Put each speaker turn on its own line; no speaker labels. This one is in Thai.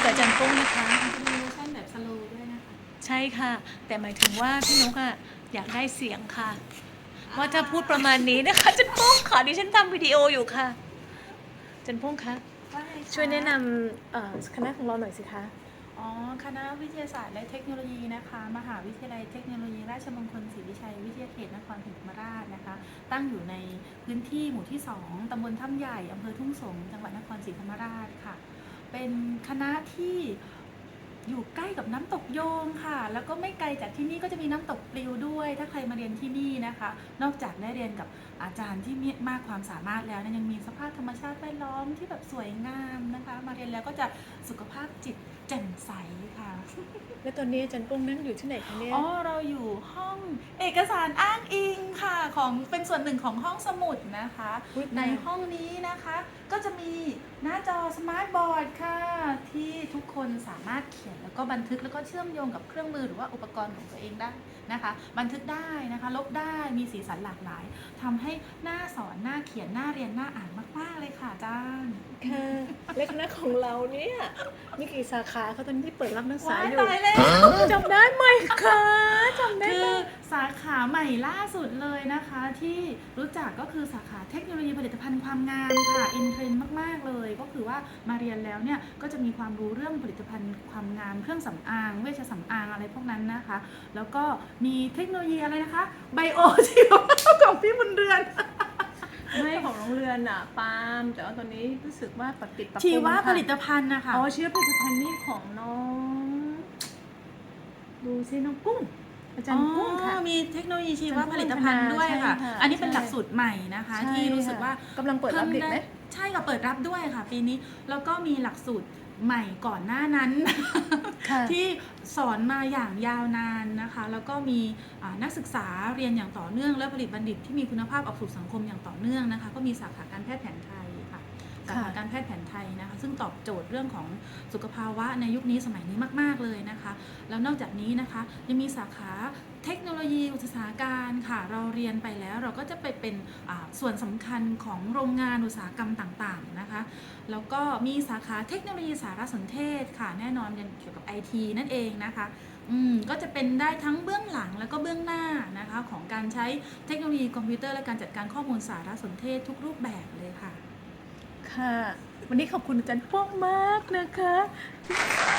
กับอาจารย์ปุ้งนะคะ
มันจะมีเวอร์ชันแบบสโลว์ด้วยนะคะ
ใช่ค่ะ แต่หมายถึงว่าพี่นุกอะอยากได้เสียงค่ะ ว่าถ้าพูดประมาณนี้นะคะอาจารย์ปุ้งขอดิฉันทำวิดีโออยู่ค่ะอาจารย์ปุ้งคะ
ว่าไงคะ
ช่วยแนะนำคณะของเราหน่อยสิคะ
อ๋อคณะวิทยาศาสตร์และเทคโนโลยีนะคะมหาวิทยาลัยเทคโนโลยีราชมงคลศรีวิชัยวิทยาเขตนครศรีธรรมราชนะคะตั้งอยู่ในพื้นที่หมู่ที่ 2ตำบลถ้ำใหญ่อำเภอทุ่งสงศ์จังหวัดนครศรีธรรมราชค่ะเป็นคณะที่อยู่ใกล้กับน้ำตกโยงค่ะแล้วก็ไม่ไกลจากที่นี่ก็จะมีน้ำตกปลิวด้วยถ้าใครมาเรียนที่นี่นะคะนอกจากได้เรียนกับอาจารย์ที่มีมากความสามารถแล้วยังมีสภาพธรรมชาติแวดล้อมที่แบบสวยงามนะคะมาเรียนแล้วก็จะสุขภาพจิตแจ่มใสค่ะ
แล้วตอนนี้อาจารย์ปุ้งนั่งอยู่ที่ไหนคะเนี่ย
อ๋อเราอยู่ห้องเอกสารอ้างอิงค่ะของเป็นส่วนหนึ่งของห้องสมุดนะคะ
อุ๊ย
ในห้องนี้นะคะก็จะมีหน้าจอสมาร์ทบอร์ดค่ะที่ทุกคนสามารถเขียนแล้วก็บันทึกแล้วก็เชื่อมโยงกับเครื่องมือหรือว่าอุปกรณ์ของตัวเองได้นะคะบันทึกได้นะคะลบได้มีสีสันหลากหลายทำให้หน้าสอนหน้าเขียนหน้าเรียนหน้าอ่านมากๆเลยค่ะอาจารย์
ค่ะและคณะของเราเนี่ยมีกี่สาขาเขาตอนนี้ที่เปิดรับนักศึกษาอยู่
ตายแล้ว
จำได้ไหมคะจำได้
คื
ไหม
อสาขาใหม่ล่าสุดเลยนะคะที่รู้จักก็คือสาขาเทคโนโลยีผลิตภัณฑ์ความงามค่ะอินเทรนด์มากๆเลยก็คือว่ามาเรียนแล้วเนี่ยก็จะมีความรู้เรื่องผลิตภัณฑ์ความงามเครื่องสำอางเวชสำอางอะไรพวกนั้นนะคะแล้วก็มีเทคโนโลยีอะไรนะคะไบโอชีวภาพของพี่บุญเรือน
ไม่ของโรงเรือนอ่ะปาล์มแต่ว่าตอนนี้รู้สึกว่าปรับปรุง
ชีว
ค่ะ
ผลิตภัณฑ์นะคะ
อ๋อชีวผลิตภัณฑ์นี่ของน้องดูซิน้องกุ้งอาจารย์กุ้งค่ะ
มีเทคโนโลยีชีวผลิตภัณฑ์ด้วยค่ะ
ใช่ค่ะ
อันนี้เป็น
ใช่
หลักสูตรใหม่นะคะ
ใช่
ที่รู้สึกว่า
กำลังเปิดรับเด็กไหม
ใช่ค่ะเปิดรับด้วยค่ะปีนี้แล้วก็มีหลักสูตรใหม่ก่อนหน้านั้น
ค่ะ
ที่สอนมาอย่างยาวนานนะคะแล้วก็มีนักศึกษาเรียนอย่างต่อเนื่องและผลิตบัณฑิตที่มีคุณภาพออกสู่สังคมอย่างต่อเนื่องนะคะก็มีสาขาการแพทย์แผนไทยค่ะสาขาการแพทย์แผนไทยนะคะซึ่งตอบโจทย์เรื่องของสุขภาวะในยุคนี้สมัยนี้มากๆเลยนะคะแล้วนอกจากนี้นะคะยังมีสาขาเทคโนโลยีอุตสาหการค่ะเราเรียนไปแล้วเราก็จะไปเป็นส่วนสำคัญของโรงงานอุตสาหกรรมต่างๆนะคะแล้วก็มีสาขาเทคโนโลยีสารสนเทศค่ะแน่นอนเรียนเกี่ยวกับ IT นั่นเองนะคะก็จะเป็นได้ทั้งเบื้องหลังแล้วก็เบื้องหน้านะคะของการใช้เทคโนโลยีคอมพิวเตอร์และการจัดการข้อมูลสารสนเทศทุกรูปแบบเลยค่ะ
ค่ะ วันนี้ขอบคุณอาจารย์ป้องมากนะคะ